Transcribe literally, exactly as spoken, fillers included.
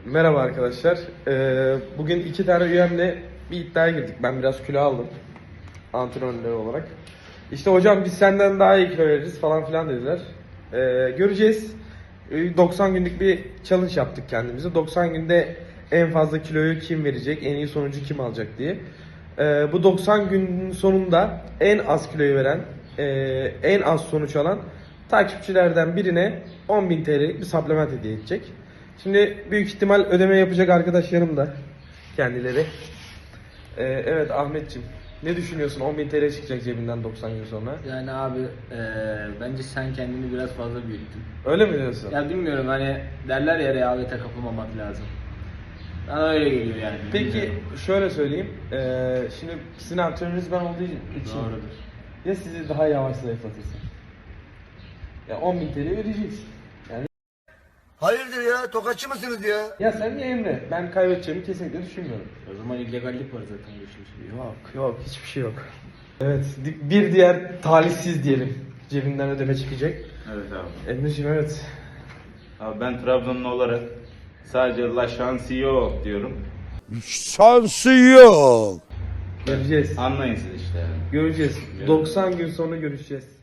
Merhaba arkadaşlar. Ee, bugün iki tane üyemle bir iddiaya girdik. Ben biraz kilo aldım. Antrenörler olarak. İşte hocam biz senden daha iyi kilo veririz falan filan dediler. Ee, göreceğiz. Ee, doksan günlük bir challenge yaptık kendimize. doksan günde en fazla kiloyu kim verecek, en iyi sonucu kim alacak diye. Ee, bu doksan günün sonunda en az kiloyu veren, e, en az sonuç alan takipçilerden birine on bin T L'lik bir supplement hediye edecek. Şimdi büyük ihtimal ödeme yapacak arkadaşlarım da kendileri. Ee, evet Ahmetciğim, ne düşünüyorsun? on bin T L çıkacak cebinden doksan gün sonra. Yani abi eee, bence sen kendini biraz fazla büyüttün. Öyle mi diyorsun? Ya bilmiyorum, hani derler ya, rehavete kapılmamak lazım. Bana öyle geliyor yani. Peki bilmiyorum. şöyle söyleyeyim. Ee, şimdi sizin antrenörünüz ben olduğu için Doğrudur. ya sizi daha yavaş zayıflatırsın. Ya on bin T L vereceksin. Yani Hayırdır ya? Tokatçı mısınız ya? ya sen ya Emre. Ben kaybedeceğimi kesinlikle düşünmüyorum. O zaman illegallik var zaten bu işin. Yok yok hiçbir şey yok. Evet di- bir diğer talihsiz diyelim. Cebinden ödeme çıkacak. Evet abi. Emre'ciğim evet. Abi ben Trabzonlu olarak sadece la şansı yok diyorum. Şansı yok. Göreceğiz. Anlayın siz işte yani. Göreceğiz. doksan gün sonra görüşeceğiz.